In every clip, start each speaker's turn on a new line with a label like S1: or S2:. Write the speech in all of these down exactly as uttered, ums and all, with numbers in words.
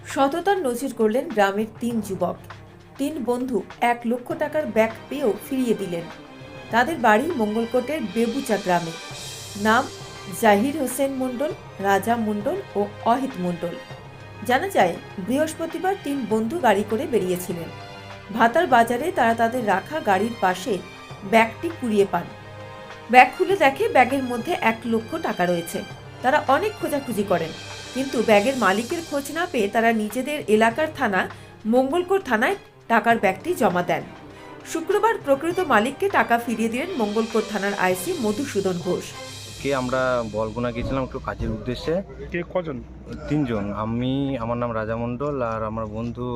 S1: সততার নজির করলেন গ্রামের তিন যুবক। তিন বন্ধু এক লক্ষ টাকার ব্যাগ পেয়েও ফিরিয়ে দিলেন। তাদের বাড়ি মঙ্গলকোটের বেবুচা গ্রামে। নাম জাহির হোসেন মণ্ডল, রাজা মণ্ডল ও অহিত মণ্ডল। জানা যায়, বৃহস্পতিবার তিন বন্ধু গাড়ি করে বেরিয়েছিলেন। ভাতার বাজারে তারা তাদের রাখা গাড়ির পাশে ব্যাগটি কুড়িয়ে পান। ব্যাগ খুলে দেখে ব্যাগের মধ্যে এক লক্ষ টাকা রয়েছে। তারা অনেক খোঁজাখুঁজি করেন, কিন্তু ব্যাগের মালিকের খোঁজ না পেয়ে তারা নিজেদের এলাকার থানা মঙ্গলকোট থানায় টাকার ব্যাগটি জমা দেন। শুক্রবার প্রকৃত মালিককে টাকা ফিরিয়ে দিলেন মঙ্গলকোট থানার আইসি মধুসূদন ঘোষ।
S2: কে আমরা বলগুনা গেছিলাম একটু কাজের উদ্দেশ্যে।
S3: কে কজন?
S2: তিনজন, আমি, আমার নাম রাজা মণ্ডল, আর আমার বন্ধু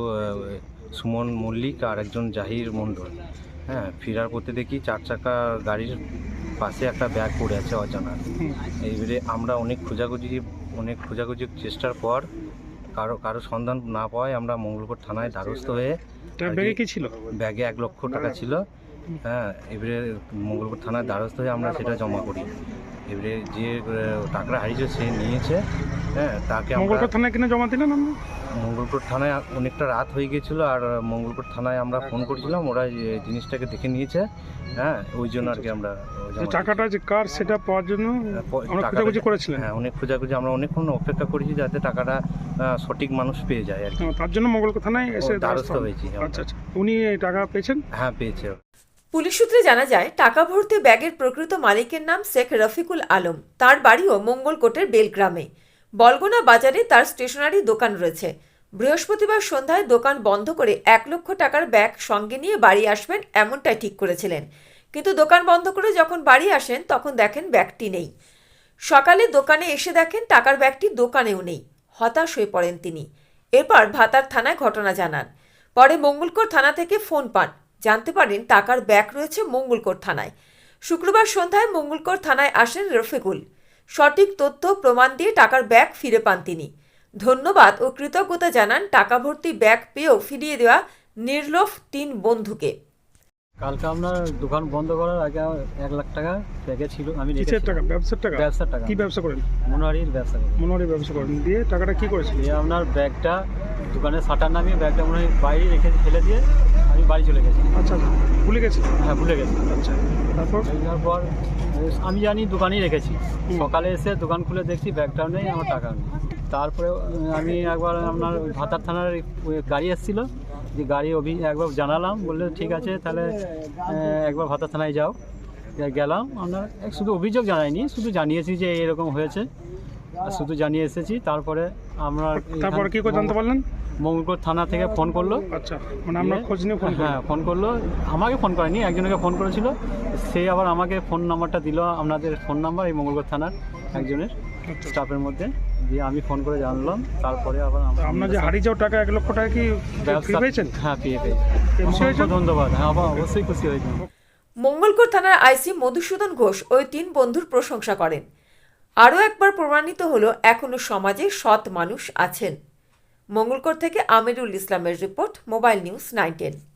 S2: সুমন মল্লিক, আর একজন জাহির মণ্ডল। হ্যাঁ, ফেরার পথে দেখি চার চাকা গাড়ির পাশে একটা ব্যাগ পড়ে আছে অজানা। এইবারে আমরা অনেক খোঁজাখুঁজি অনেক খোঁজাখুঁজির চেষ্টার পর কারো কারো সন্ধান না পাওয়ায় আমরা মঙ্গলকোট থানায় দ্বারস্থ হয়ে।
S3: ব্যাগে কি ছিল?
S2: ব্যাগে এক লক্ষ টাকা ছিল। হ্যাঁ, এবারে মঙ্গলকোট থানায় দ্বারস্থ হয়ে আমরা সেটা জমা করি। এবারে যে টাকাটা হারিয়েছে সে নিয়েছে। হ্যাঁ, তাকে
S3: মঙ্গলকোট থানায় কিনে জমা দিলেন? আমরা
S2: মঙ্গলকোট থানায় অনেকটা রাত হয়ে গিয়েছিলো, আর মঙ্গলকোট থানায় আমরা ফোন করেছিলাম, ওরা জিনিসটাকে দেখে নিয়েছে। হ্যাঁ, ওই জন্য আর কি আমরা
S3: টাকাটা যে কার সেটা পাওয়ার জন্য আমরা খোঁজাখুঁজি করেছিলেন।
S2: হ্যাঁ, অনেক খোঁজাখুঁজি আমরা অনেকক্ষণ অপেক্ষা করেছি যাতে টাকাটা সঠিক মানুষ পেয়ে যায় আর কি।
S3: তার জন্য মঙ্গলকোট থানায় এসে
S2: দ্বারস্থ হয়েছি।
S3: আচ্ছা আচ্ছা, উনি টাকা পেয়েছেন?
S2: হ্যাঁ, পেয়েছে।
S1: পুলিশ সূত্রে জানা যায়, টাকা ভর্তি ব্যাগের প্রকৃত মালিকের নাম শেখ রফিকুল আলম। তার বাড়িও মঙ্গলকোটের বেলগ্রামে। বলগোনা বাজারে তার স্টেশনারি দোকান রয়েছে। বৃহস্পতিবার সন্ধ্যায় দোকান বন্ধ করে এক লক্ষ টাকার ব্যাগ সঙ্গে নিয়ে বাড়ি আসবেন এমনটাই ঠিক করেছিলেন, কিন্তু দোকান বন্ধ করে যখন বাড়ি আসেন তখন দেখেন ব্যাগটি নেই। সকালে দোকানে এসে দেখেন টাকার ব্যাগটি দোকানেও নেই। হতাশ হয়ে পড়েন তিনি। এরপর ভাতার থানায় ঘটনা জানান। পরে মঙ্গলকোট থানা থেকে ফোন পান, জানতে পারেন টাকার ব্যাগ রয়েছে মঙ্গলকোট থানায়। শুক্রবার সন্ধ্যায় মঙ্গলকোট থানায় আসেন রফিকুল। সঠিক তথ্য প্রমাণ দিয়ে টাকার ব্যাগ ফিরে পান তিনি। ধন্যবাদ ও কৃতজ্ঞতা জানান টাকা ভর্তি ব্যাগ পেয়েও ফিরিয়ে দেওয়া নির্লোভ তিন বন্ধুকে।
S4: কালকে আপনার দোকান বন্ধ করার আগে এক লাখ টাকা ব্যাগে ছিল। আমি
S3: কিসের টাকা? ব্যবসার টাকা?
S4: ব্যবসার টাকা।
S3: কি ব্যবসা করেন?
S4: মনোহারির ব্যবসা করেন।
S3: মনোহারির ব্যবসা করেন। দিয়ে টাকাটা কি করেছিল?
S4: দিয়ে আপনার ব্যাগটা দোকানের শাটার নামিয়ে ব্যাগটা মনে হয় বাইরে রেখে ফেলে দিয়ে আমি বাড়ি চলে গেছি।
S3: আচ্ছা, ভুলে গেছি?
S4: হ্যাঁ, ভুলে গেছি।
S3: আচ্ছা, তারপর?
S4: তারপর আমি জানি দোকানেই রেখেছি। সকালে এসে দোকান খুলে দেখছি ব্যাগটাও নেই, আমার টাকাও নেই। তারপরে আমি একবার আপনার ভাতার থানার গাড়ি এসেছিলো, যে গাড়ি অভি একবার জানালাম, বললে ঠিক আছে তাহলে একবার ভাতার থানায় যাও। গেলাম, আপনার শুধু অভিযোগ জানাইনি, শুধু জানিয়েছি যে এরকম হয়েছে, আর শুধু জানিয়ে এসেছি। তারপরে আমরা
S3: তারপরে কি করে জানতে পারলেন?
S4: মঙ্গলকোট থানা থেকে ফোন করলো।
S3: আচ্ছা, মানে আমরা খোঁজ নিয়ে ফোন?
S4: হ্যাঁ, ফোন করলো। আমাকে ফোন করেনি, একজনকে ফোন করেছিল, সে আবার আমাকে ফোন নাম্বারটা দিল, আপনাদের ফোন নাম্বার এই মঙ্গলকোট থানার একজনের স্টাফের মধ্যে দিয়ে আমি ফোন করে জানলাম। তারপরে আবার
S3: আপনার যে হারিয়ে যাওয়া টাকা এক লক্ষ টাকা কি পেয়েছেন?
S4: হ্যাঁ, পেয়ে পেয়েছি। ধন্যবাদ। হ্যাঁ, অবশ্যই খুশি হয়েছি।
S1: মঙ্গলকোট থানার আইসি মধুসূদন ঘোষ ওই তিন বন্ধুর প্রশংসা করেন। আরও একবার প্রমাণিত হলো এখনো সমাজে সৎ মানুষ আছেন। মঙ্গলকোট থেকে আমিরুল ইসলামের report, mobile news nine ten.